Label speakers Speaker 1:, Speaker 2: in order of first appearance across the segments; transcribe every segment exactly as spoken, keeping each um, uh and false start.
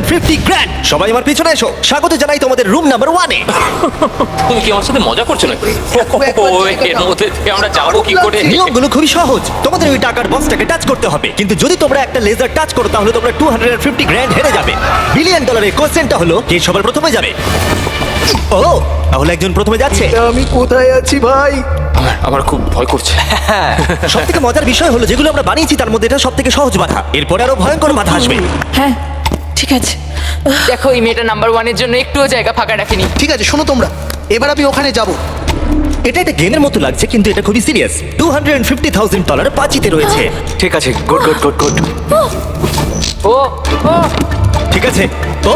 Speaker 1: Fifty grand. সবাই আমার পিছনে এসো, স্বাগত জানাই তোমাদের রুম নাম্বার ওয়ানে।
Speaker 2: তুমি কি আমার সাথে মজা করছো নাকি? ও, এর মধ্যে থেকে আমরা যাবো কি করে?
Speaker 1: নিয়মগুলো খুবই সহজ, তোমাদের ওই টাকার বক্সটাকে টাচ করতে হবে, কিন্তু যদি তোমরা একটা লেজার টাচ করো তাহলে তোমরা টু হান্ড্রেড ফিফটি গ্র্যান্ড হেরে যাবে। বিলিয়ন ডলারের কোশ্চেনটা হলো কে সবার প্রথমে যাবে। ও, তাহলে একজন প্রথমে যাচ্ছে।
Speaker 3: আমি কোথায় আছি ভাই?
Speaker 2: আমার আমার খুব ভয় করছে।
Speaker 1: সব থেকে মজার বিষয় হলো যেগুলো আমরা বানিয়েছি তার মধ্যে এটা সব থেকে সহজ বাধা, এরপরে আরো ভয়ঙ্কর বাধা আসবে।
Speaker 4: হ্যাঁ ঠিক আছে। দেখো এই মেয়েটা নাম্বার ওয়ানের জন্য একটুও জায়গা ফাঁকা রাখেনি।
Speaker 3: ঠিক আছে শোনো তোমরা, এবার আমি ওখানে যাব।
Speaker 1: এটা একটা গেমের মতো লাগছে কিন্তু এটা খুবই serious. Two hundred fifty thousand dollar পাঁচিতে রয়েছে।
Speaker 5: ঠিক আছে, গুড গুড গুড গুড।
Speaker 4: ও ও
Speaker 1: ঠিক আছে। ও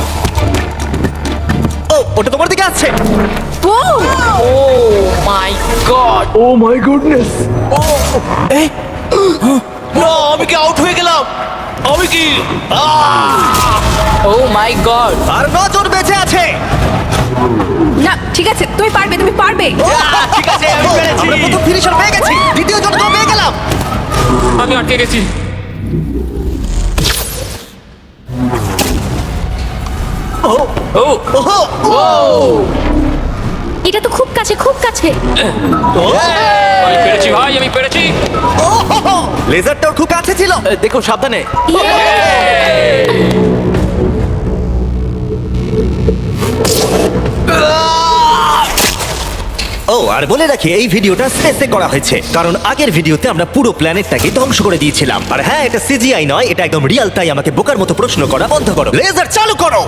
Speaker 1: ও ওটা তোমার দিকে আসছে।
Speaker 4: Oh my god.
Speaker 3: Oh my goodness.
Speaker 5: না, আমি কি আউট হয়ে গেলাম? আমি কি?
Speaker 4: ও মাই গড।
Speaker 1: আর নজন বেঁচে আছে।
Speaker 4: না ঠিক আছে, তুমি পারবে, তুমি পারবে।
Speaker 5: ঠিক আছে, আমি পেরেছি।
Speaker 1: আমরা প্রথম ফিনিশার পেয়ে গেছি, দ্বিতীয় জন তো পেয়ে গেলাম।
Speaker 2: আমি আটকে গেছি।
Speaker 1: ও
Speaker 2: ও
Speaker 1: ও
Speaker 6: এটা তো খুব কাছে, খুব কাছে।
Speaker 2: আমি পেরেছি ভাই, আমি পেরেছি।
Speaker 1: লেজারটাও খুব কাছে ছিল।
Speaker 5: দেখো সাবধানে।
Speaker 1: ও আর বলে রাখি এই ভিডিওটা স্পেসে করা হয়েছে কারণ আগের ভিডিওতে আমরা পুরো প্ল্যানেটটাকে ধ্বংস করে দিয়েছিলাম। আর হ্যাঁ, এটা সিজিআই নয়, এটা একদম রিয়েল, তাই আমাকে বোকার মতো প্রশ্ন করা বন্ধ করো। লেজার চালু করো।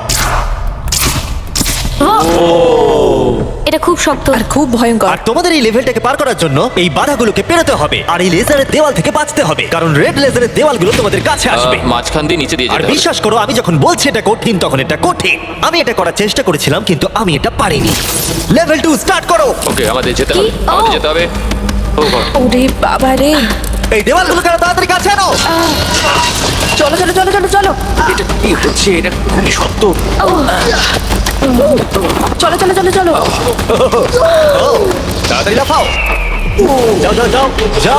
Speaker 6: এটা খুব শক্ত।
Speaker 4: আর খুব ভয়ঙ্কর।
Speaker 1: আর তোমাদের এই লেভেলটাকে পার করার জন্য এই বাধাগুলোকে পেরোতে হবে আর এই লেজারের দেওয়াল থেকে বাঁচতে হবে, কারণ রেড লেজারের দেওয়ালগুলো তোমাদের কাছে আসবে।
Speaker 2: আহ, মাঝখান দিয়ে নিচে দিয়ে
Speaker 1: আর
Speaker 2: যেতে হবে।
Speaker 1: বিশ্বাস করো, আমি যখন বলছি এটা কঠিন তখন এটা কঠিন। আমি এটা করার চেষ্টা করেছিলাম কিন্তু আমি এটা পারিনি। লেভেল টু স্টার্ট করো।
Speaker 2: ওকে, আমাদের যেতে
Speaker 6: কি?
Speaker 2: হবে, আমাদের
Speaker 6: ও।
Speaker 2: যেতে হবে। ও God!
Speaker 4: ওরে বাবা রে।
Speaker 1: এই দেওয়ালগুলো কেন তাড়াতাড়ি কাছে আনো।
Speaker 4: চলো চলো চলো চলো চলো
Speaker 5: এটা কি হচ্ছে? এটা খুবই শক্ত।
Speaker 4: চলো চলো চলো চলো।
Speaker 1: ও, তাড়াতাড়ি লাফাও। যাও যাও যাও যাও।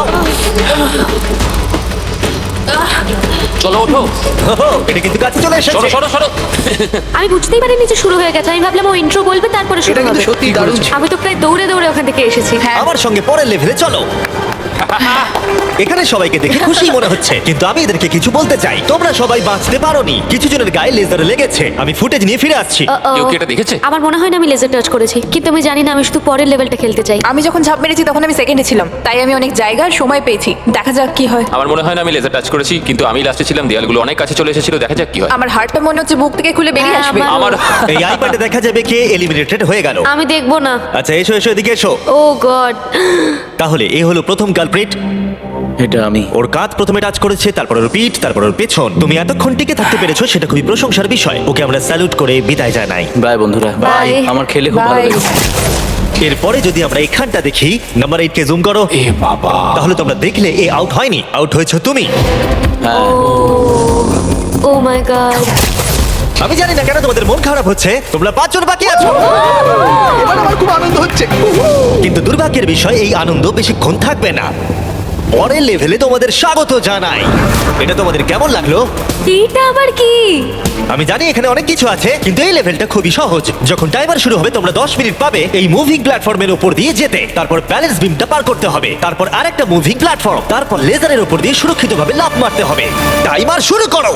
Speaker 2: চলো ওঠো,
Speaker 1: ওহো, এটা কিন্তু কাছে চলে
Speaker 2: সরো
Speaker 1: এসেছে।
Speaker 2: সরো সরো।
Speaker 6: আমি বুঝতেই পারিনি যে শুরু হয়ে গেছে। আমি ভাবলাম ও ইন্ট্রো বলবে তারপরে শুরু
Speaker 3: এটা কিন্তু
Speaker 6: হবে।
Speaker 3: সত্যি দারুণ ছিল।
Speaker 6: আমি তো প্রায় দৌড়ে দৌড়ে ওখান থেকে এসেছি। হ্যাঁ
Speaker 1: আমার সঙ্গে পরের লেভেলে চলো। এখানে সবাইকে দেখে খুশি মনে হচ্ছে কিন্তু আমি এদেরকে কিছু বলতে চাই। তোমরা সবাই বাঁচতে পারোনি, কিছু জনের গায়ে লেজার লেগেছে। আমি ফুটেজ নিয়ে ফিরে আসছি।
Speaker 6: Uh-oh.
Speaker 2: কেউ কি এটা দেখেছে?
Speaker 6: আমার মনে হয় না আমি লেজার টাচ করেছি, কিন্তু আমি জানি না, আমি শুধু পরের লেভেলটা খেলতে চাই।
Speaker 4: আমি যখন ঝাঁপ মেরেছি তখন আমি সেকেন্ডে ছিলাম, তাই আমি অনেক জায়গার সময় পেয়েছি। দেখা যাক কি হয়।
Speaker 2: আমার মনে হয় না আমি লেজার টাচ করেছি, কিন্তু আমি লাস্টে ছিলাম, দেয়ালগুলো অনেক কাছে চলে এসেছিল। দেখা যাক কি হয়।
Speaker 4: আমার হার্টটা মনে হচ্ছে বুক থেকে খুলে বেরিয়ে
Speaker 6: হ্যাঁ,
Speaker 4: আসবে।
Speaker 6: আমার-
Speaker 2: আমার
Speaker 1: এই আইপ্যাডে দেখা যাবে কে এলিমিনেটেড হয়ে গেল।
Speaker 6: আমি দেখবো না।
Speaker 1: আচ্ছা এসো এসো, এদিকে এসো।
Speaker 6: Oh god.
Speaker 1: তাহলে এ হলো প্রথম কালপ্রিট।
Speaker 5: এটা আমি।
Speaker 1: ওর কাঁধ প্রথমে টাচ করেছে, তারপর ওর পিঠ, তারপর ওর পেছন। তুমি এতক্ষণ টিকে থাকতে পেরেছো, সেটা খুবই প্রশংসার বিষয়। ওকে আমরা স্যালুট করে বিদায় জানাই।
Speaker 5: বাই বন্ধুরা।
Speaker 6: বাই।
Speaker 5: আমার খেলে খুব ভালো
Speaker 4: Bye.
Speaker 5: লেগেছে।
Speaker 1: এরপরে যদি আমরা এখানটা দেখি, নাম্বার এইট কে জুম করো।
Speaker 2: এ বাবা,
Speaker 1: তাহলে তোমরা দেখলে এ আউট হয়নি, আউট হয়েছো তুমি।
Speaker 5: হ্যাঁ,
Speaker 6: ও মাই গড।
Speaker 1: আমি জানি না কেন তোমাদের মন খারাপ হচ্ছে, তোমরা পাঁচজন বাকি আছো।
Speaker 3: এবার আমার খুব আনন্দ হচ্ছে।
Speaker 1: কিন্তু দুর্ভাগ্যের বিষয়, এই আনন্দ বেশিক্ষণ থাকবে না। পরের লেভেলে তোমাদের স্বাগত জানাই। এটা তোমাদের কেমন লাগলো?
Speaker 6: এটা আবার কি?
Speaker 1: আমি জানি এখানে অনেক কিছু আছে, কিন্তু এই লেভেলটা খুবই সহজ। যখন টাইমার শুরু হবে তোমরা দশ মিনিট পাবে এই মুভিং প্ল্যাটফর্মের উপর দিয়ে যেতে। তারপর ব্যালেন্স বিমটা পার করতে হবে, তারপর আরেকটা মুভিং প্ল্যাটফর্ম, তারপর লেজারের উপর দিয়ে সুরক্ষিতভাবে লাফ মারতে হবে। টাইমার শুরু করো।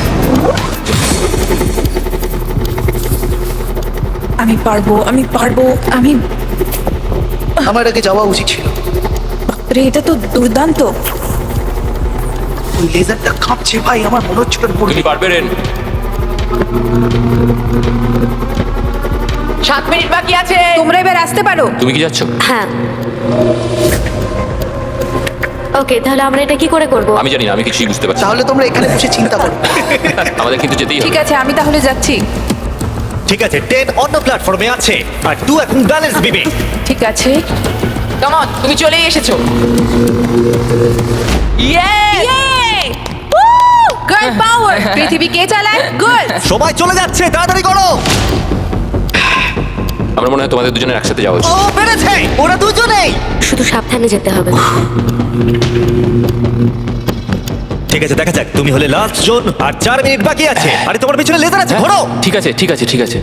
Speaker 4: আমি পারবো, আমি পারবো, আমি।
Speaker 3: আমার আগে যাওয়া উচিত ছিল।
Speaker 4: রে, এটা তো দুর্দান্ত।
Speaker 3: ওই লেজারটা কাঁপছে ভাই, আমার মনে হচ্ছে ওটা পড়বে।
Speaker 2: তুমি পারবে রেন।
Speaker 4: সাত মিনিট বাকি আছে, তোমরা এবার আসতে পারো।
Speaker 2: তুমি কি যাচ্ছ?
Speaker 6: হ্যাঁ। ওকে, তাহলে আমরা এটা কি করে করব?
Speaker 2: আমি জানি না, আমি কিছুই বুঝতে পারছি না।
Speaker 3: তাহলে তোমরা এখানে বসে চিন্তা করো।
Speaker 2: আমাদের কিন্তু যেতেই
Speaker 4: ঠিক
Speaker 2: হবে।
Speaker 4: আছে, আমি তাহলে যাচ্ছি।
Speaker 1: ঠিক আছে, টেন অন্য প্ল্যাটফর্মে আছে আর টু এখন ব্যালেন্স বিমে।
Speaker 4: ঠিক আছে, কাম অন, তুমি চলেই এসেছো। ইয়ে! Girl power! পৃথিবী কে চালায়? গার্ল!
Speaker 1: সময় চলে যাচ্ছে, তাড়াতাড়ি করো।
Speaker 2: আমার মনে হয় তোমাদের দুজনের একসাথে যাওয়া উচিত।
Speaker 1: ও পেরেছে, ওরা দুজনেই।
Speaker 6: শুধু সাবধানে যেতে হবে।
Speaker 1: ঠিক আছে, দেখা যাক। তুমি হলে লাস্ট জোন, আর চার মিনিট বাকি আছে। আরে তোমার পিছনে লেজার আছে, ঘোরো।
Speaker 2: ঠিক আছে ঠিক আছে ঠিক আছে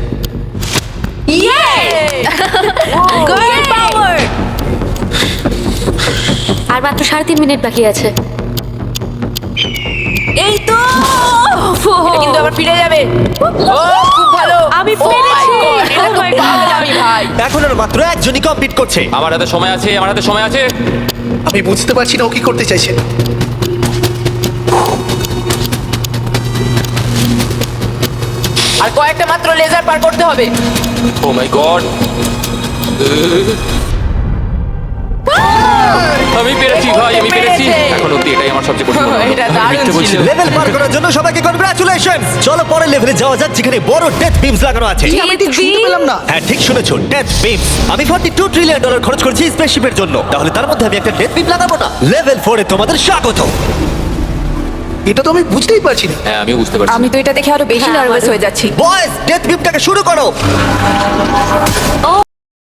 Speaker 4: গার্ল পাওয়ার।
Speaker 6: আর মাত্র সাড়ে তিন মিনিট বাকি আছে।
Speaker 4: এই তো এটা কিন্তু আবার ফিরে যাবে। ও খুব ভালো,
Speaker 6: আমি
Speaker 4: Oh my
Speaker 6: পেরেছি।
Speaker 4: God, এটা
Speaker 6: Oh
Speaker 4: তো
Speaker 6: my God.
Speaker 4: পাগলামি ভাই।
Speaker 1: এখন আর মাত্র একজনই কমপ্লিট করছে।
Speaker 2: আমার হাতে সময় আছে আমার হাতে সময় আছে
Speaker 3: আমি বুঝতে পারছি না ও কি করতে চাইছে।
Speaker 4: আর কয়েকটা মাত্র লেজার পার করতে হবে।
Speaker 2: ও মাই গড আমি পেরেছি ভাই আমি পেরেছি
Speaker 4: পেরেছে।
Speaker 2: এখন অব্দি এটাই আমার সবচেয়ে কঠিন মনে হলো।
Speaker 4: এটা দারুণ ছিল।
Speaker 1: লেভেল পার করার জন্য সবাইকে কনগ্রাচুলেশন। চলো পরের লেভেলে যাওয়া যাক, যেখানে বড় ডেথ বিমস লাগানো আছে।
Speaker 3: আমি ঠিক শুনতে পেলাম না।
Speaker 1: হ্যাঁ, ঠিক শুনেছো, ডেথ বিমস। আমি বত্রিশ ট্রিলিয়ন ডলার খরচ করেছি স্পেসশিপের জন্য, তাহলে তার মধ্যে আমি একটা ডেথ বিম লাগাবো না? লেভেল ফোরে তোমাদের স্বাগত।
Speaker 3: এটা তো আমি বুঝতেই পারছি না।
Speaker 2: হ্যাঁ আমিও বুঝতে পারছি
Speaker 4: আমি তো এটা দেখে আরো বেশি
Speaker 6: হ্যাঁ,
Speaker 4: নার্ভাস
Speaker 6: আমারও।
Speaker 4: হয়ে যাচ্ছি।
Speaker 1: বয়েজ, ডেথ বিমটাকে শুরু করো।